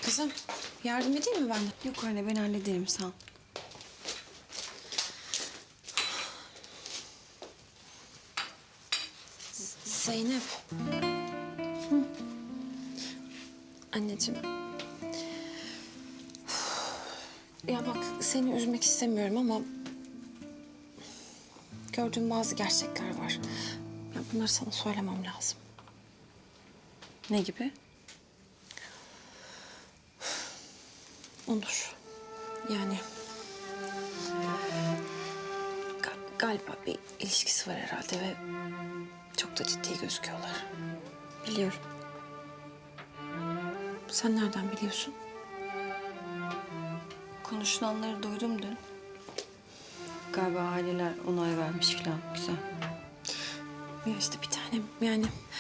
Kızım, yardım edeyim mi ben? Yok anne, ben hallederim, sağ ol. Zeynep. Anneciğim. Ya bak, seni üzmek istemiyorum ama... gördüğüm bazı gerçekler var. Ya bunları sana söylemem lazım. Ne gibi? Onur. Yani... galiba bir ilişkisi var herhalde ve... çok da ciddi gözüküyorlar. Biliyorum. Sen nereden biliyorsun? Konuşulanları duydum dün. Galiba aileler onay vermiş falan. Güzel. Ya işte bir tanem yani...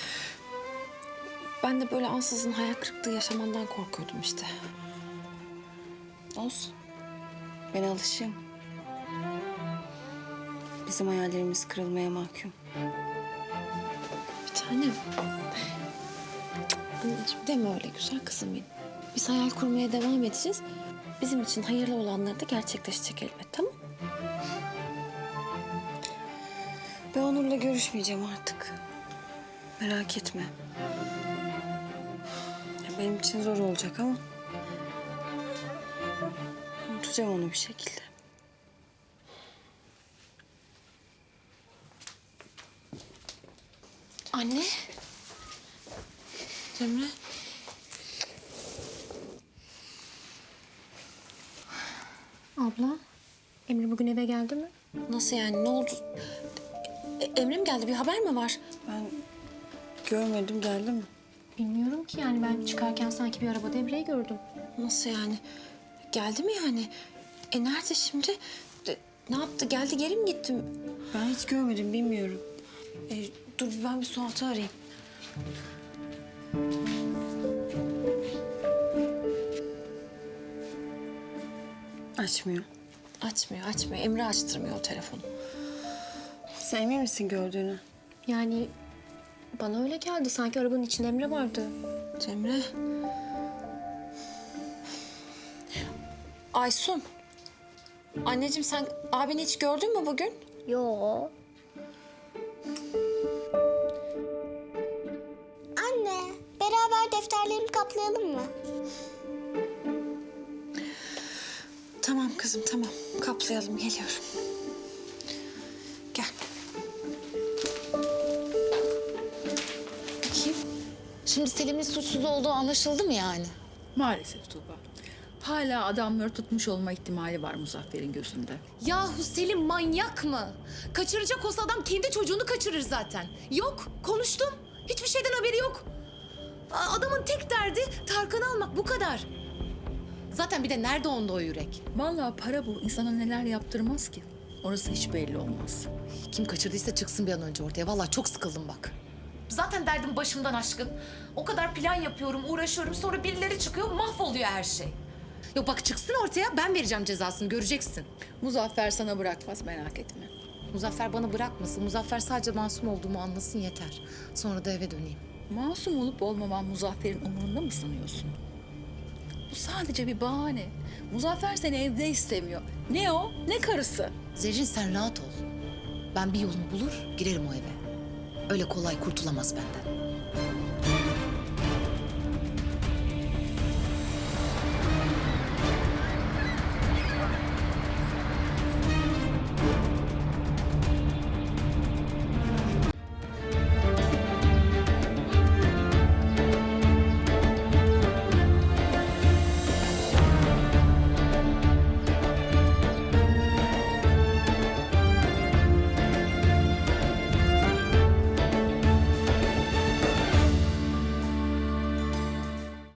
ben de böyle ansızın hayal kırıklığı yaşamandan korkuyordum işte. Olsun. Ben alışığım. Bizim hayallerimiz kırılmaya mahkum. Bir tanem. Anneciğim deme öyle güzel kızım benim. Biz hayal kurmaya devam edeceğiz. Bizim için hayırlı olanları da gerçekleşecek elbet, tamam mı? Ben Onur'la görüşmeyeceğim artık. Merak etme. Ya benim için zor olacak ama... unutacağım onu bir şekilde. Anne. Cemre. Abla, Emre bugün eve geldi mi? Nasıl yani, ne oldu? Emre mi geldi, bir haber mi var? Ben görmedim, geldi mi? Bilmiyorum ki yani ben çıkarken sanki bir arabada Emre'yi gördüm. Nasıl yani? Geldi mi yani? Nerede şimdi? Ne yaptı, geldi geri mi gitti? Ben hiç görmedim, bilmiyorum. Dur ben bir Suat'ı arayayım. Açmıyor. Açmıyor. Emre açtırmıyor o telefonu. Sen emin misin gördüğünü? Yani bana öyle geldi sanki arabanın içinde Emre vardı. Cemre. Aysun. Anneciğim sen abini hiç gördün mü bugün? Yo. Anne, beraber defterlerimi kaplayalım mı? Tamam kızım tamam. Kaplayalım, geliyorum. Gel. Bakayım. Şimdi Selim'in suçsuz olduğu anlaşıldı mı yani? Maalesef Tuğba. Hala adamları tutmuş olma ihtimali var Muzaffer'in gözünde. Yahu Selim manyak mı? Kaçıracak olsa adam kendi çocuğunu kaçırır zaten. Yok, konuştum. Hiçbir şeyden haberi yok. Adamın tek derdi Tarkan'ı almak, bu kadar. Zaten bir de nerede onda o yürek? Vallahi para bu. İnsana neler yaptırmaz ki. Orası hiç belli olmaz. Kim kaçırdıysa çıksın bir an önce ortaya. Vallahi çok sıkıldım bak. Zaten derdim başımdan aşkın. O kadar plan yapıyorum, uğraşıyorum. Sonra birileri çıkıyor, mahvoluyor her şey. Yok bak çıksın ortaya, ben vereceğim cezasını, göreceksin. Muzaffer sana bırakmaz, merak etme. Muzaffer bana bırakmasın. Muzaffer sadece masum olduğumu anlasın yeter. Sonra da eve döneyim. Masum olup olmaman Muzaffer'in umurunda mı sanıyorsun? Bu sadece bir bahane. Muzaffer seni evde istemiyor. Ne o, ne karısı. Zerrin sen rahat ol. Ben bir yolunu bulur, girerim o eve. Öyle kolay kurtulamaz benden.